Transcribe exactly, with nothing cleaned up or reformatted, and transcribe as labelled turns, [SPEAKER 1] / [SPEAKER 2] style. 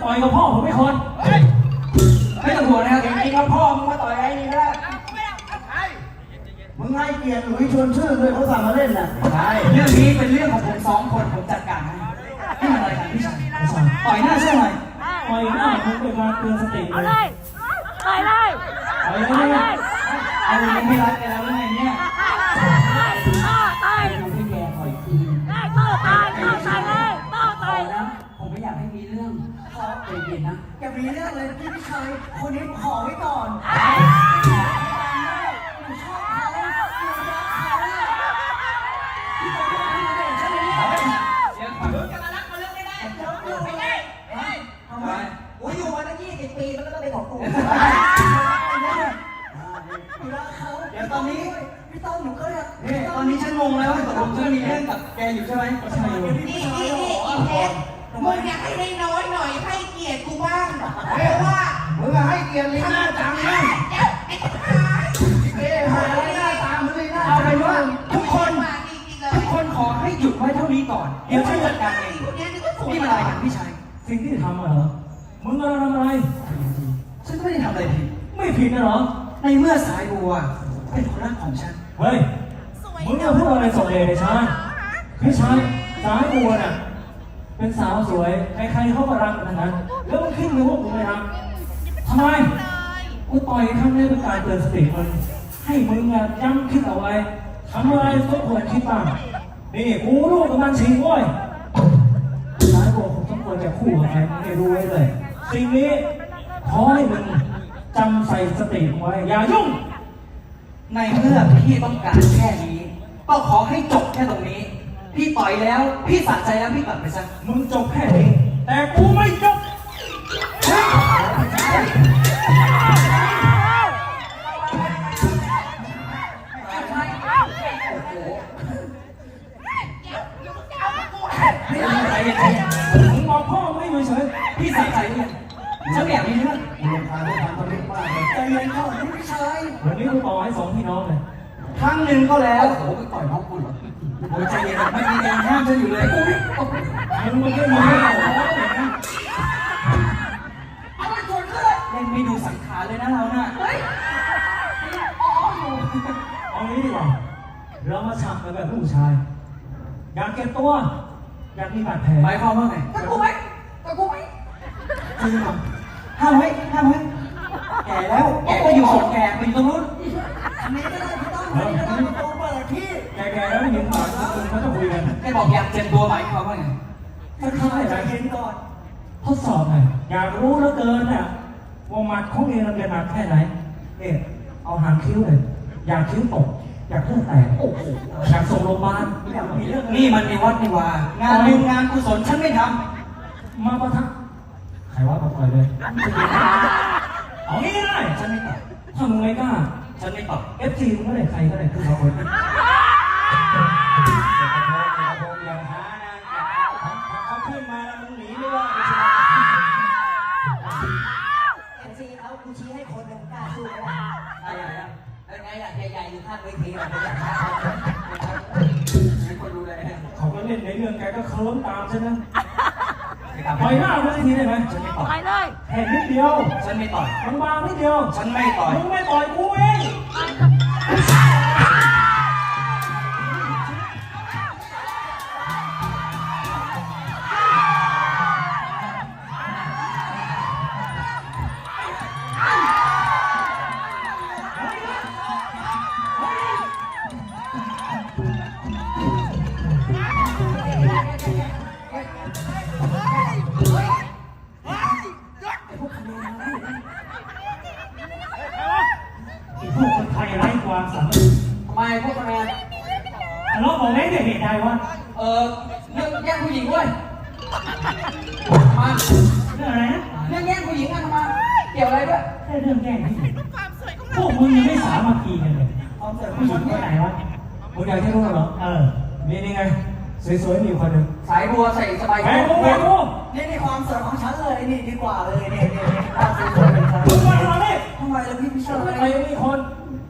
[SPEAKER 1] ต่อยกับพ่อผมไม่คน
[SPEAKER 2] ไม่ต้องห่วงนะครับจริงๆแล้วพ่อมึงมาต่อยไอ้นี่ก็ได้
[SPEAKER 3] มึงให้เกียรติหลุยชวนชื่อเลยเขาสั่งมาเล่นน่ะ
[SPEAKER 2] ใช่เรื่องนี้เป็นเรื่องของผมสองคนผมจัดการให้นี่มันอะไรกันพี่ชายต่อยหน้าใช่ไหม
[SPEAKER 1] ต่อยหน้าผมเป็นการเตือนสติเลย
[SPEAKER 4] ต่อยเลย
[SPEAKER 1] ต่อยเลย
[SPEAKER 2] เอาเรื่องไม่รักกันแล้วเรื่องเนี่ย
[SPEAKER 4] ต่อย
[SPEAKER 2] พี่แกต่อยคืน
[SPEAKER 4] ได้ต่อตายต่อตายเลยต่อตาย
[SPEAKER 2] นะผมไม่อยากให้มีเรื่องขอใจเย็นนะ
[SPEAKER 3] จะมีเรื่องเลยพี่ชายคนนี้ขอไว้ก่อน
[SPEAKER 2] โอ้ยอยู่มาตั้งยี่สิบปีมันก็ต้องเป็นของกูเดี๋ยวตอนนี้พี่ต้อมหนูก็เนี่ยตอนนี้ฉันงงแล้วว่าตกลงฉันมีเรื่องกับแกอยู่ใช่ไหมใช่อยู่
[SPEAKER 5] นี่นี่นี่อีเพชรมึงอยากให้ได้น้อยหน่อยให้เกียรติกูบ้างเพราะว่า
[SPEAKER 3] มึงให้เกียรติลีน่าจังนะเอ๊ะหาลีน่าตามมึงลีน่า
[SPEAKER 2] เอาเป็นว่าทุกคนทุกคนขอให้หยุดไว้เท่านี้ก่อนเดี๋ยวฉันจัดการเองนี่มันอะไรกันพี่ชาย
[SPEAKER 1] สิ่งที่ทำเหรอมึงกำลังทำอะไร
[SPEAKER 2] ฉันไม่ได้ทำอะไรผิด
[SPEAKER 1] ไม่ผิดนะเหรอ
[SPEAKER 2] ในเมื่อสายบัวเป็นคนรักของฉัน
[SPEAKER 1] เฮ้ยมึงจะพูดอะไรส่งเดชเลยชายพี่ชายสายบัวน่ะเป็นสาวสวยใครๆเขาก็รักกันนั้นแล้วมึงขึ้นมือพวกกูไม่รักทำไมกูต่อยครั้งนี้เป็นการเตือนสติมันให้มึงอ่ะย้ำคิดเอาไว้ทำอะไรต้องควรคิดบ้างนี่กูรู้กับมันชิงว้ยสายบัวคงต้องควรจะคู่กับใครมึงให้รู้ไว้เลยสิ่งนี้ขอให้มึงจำใส่สติไว้อย่ายุ่ง
[SPEAKER 2] ในเมื่อพี่ต้องการแค่นี้ก็ขอให้จบแค่ตรงนี้พี่ต่อยแล้วพี่สะใจแล้วพี่กลับไปซะ
[SPEAKER 1] มึงจบแค่นี้แต่กูไม่จบมึงบอกพ่อไม่อยู่เฉย
[SPEAKER 2] พี่สะใจเนี่ยฉันแบบนี้นะ
[SPEAKER 3] มึงพาด้วยความตลึงมากเลยใจเย็นเข้าพี่ชาย
[SPEAKER 1] วันนี้กูต่อให้สองพี่น้องเลย
[SPEAKER 2] ครั้งหนึ่งก็แล้วโอ้โหต่อยน้องกูเหรอโอ้ยใจเย็นไม่มีแรงห้ามฉันอยู่เลยกู
[SPEAKER 1] มึงไม่ได้มึงไม่เอา
[SPEAKER 2] เอาไปชนก็เลยเล่นไม่ดูสังขารเลยนะเราน่ะเฮ้ยอ๋ออยู่
[SPEAKER 1] เอางี้ดีกว่าเรามาฉักกันแบบผู้ชายอยากเก็บตัวอยากมีบาดแผล
[SPEAKER 2] หมายความว่าไงตะกูไหมตะกูไหมจริงเหรอห้ามไว้ห้ามไว้แก่แล้วแกก็อยู่ส่งแก่ไปอยู่ตรงนู้น
[SPEAKER 3] อันนี้ก็ได้พี่ต้องอันนี้ก็ได้โตเปิดที่
[SPEAKER 1] แกๆแล้วไม่เห็นหมาคุณเขาจะคุยกัน
[SPEAKER 2] แกบอกอยากเจ็บตัวหมายความว่าไง
[SPEAKER 3] ถ้าเขาให้ใจเย็นก่อน
[SPEAKER 1] ทดสอบหน่อยอยากรู้แล้วเกินน่ะว่ามัดของเองมันเป็นมัดแค่ไหนเนี่ยเอาหางคิ้วเลยอยากคิ้วตกอยากเลือดแตกโอ้โหอยากส่งโรงพยาบาลอยากมีเรื่อง
[SPEAKER 2] นี่มันในวัดนี่ว่างานบุญงานกุศลฉันไม่ท
[SPEAKER 1] ำมาประทับใครว่ามาปล่อยเลยเอางี้เลย
[SPEAKER 2] ฉันไม่ตอบ
[SPEAKER 1] ถ้ามึงไม่กล้า
[SPEAKER 2] ฉันไม่ตอบ
[SPEAKER 1] เอฟซีมึงก็ได้ใครก็ได้คือเขาคน
[SPEAKER 2] อย่าหานะเขาขึ้นมาแล้วมึงหนีไม่ได้
[SPEAKER 3] เอ็นซีเขากูชี้ให้คนหนึ่งกล้าสู้ไม่ได้
[SPEAKER 2] อะไรอ่ะแล้วไงล่ะใหญ่ๆอยู่ข้างเวทีเราไม่อยากฆ่าให้คนดูเลย
[SPEAKER 1] เขาก็เล่นในเรื่องแกก็เคิร์มตามใช่ไหมปล่อยหน้าไปทีได้ไหม
[SPEAKER 2] ฉันไม่ต่อย
[SPEAKER 4] เลย
[SPEAKER 1] แค่นิดเดียว
[SPEAKER 2] ฉันไม่ต่อย
[SPEAKER 1] มันบางนิดเดียว
[SPEAKER 2] ฉันไม่ต่อย
[SPEAKER 1] มึงไม่ต่อยกูเองพวกคนไทยไร้ความสามารถ
[SPEAKER 2] ทำไมพวกคะแนน
[SPEAKER 1] ทะเลาะบอกไม่ได้เหตุใดวะ
[SPEAKER 2] เออเรื่องแย่งผู้หญิงเว้ยมา
[SPEAKER 1] เรื่องอะไรนะ
[SPEAKER 2] เรื่องแย่งผู้หญิงกันมาเกี่ยวอะไรด้วย
[SPEAKER 1] แค่เรื่องแย่งผู้หญิงพวกมึงยังไม่สามัคคีกันเลย
[SPEAKER 3] ความสวยขอ
[SPEAKER 1] ผู้หญิงคนไหนวะมึงอยากให้รู้เหรอเออนี่นี่ไงสวยๆมีคนหนึ่ง
[SPEAKER 2] สายบัวใส่สบาย
[SPEAKER 1] แหวนแหวน
[SPEAKER 3] นี่นี่ความสวยของฉันเลยนี่ดีกว่าเลยนี่นี่นี่ความสวยเป็นฉัน
[SPEAKER 1] มึงมาทำไม
[SPEAKER 3] ทำไมล่ะพี่พี่ชาย
[SPEAKER 1] ใครมีคน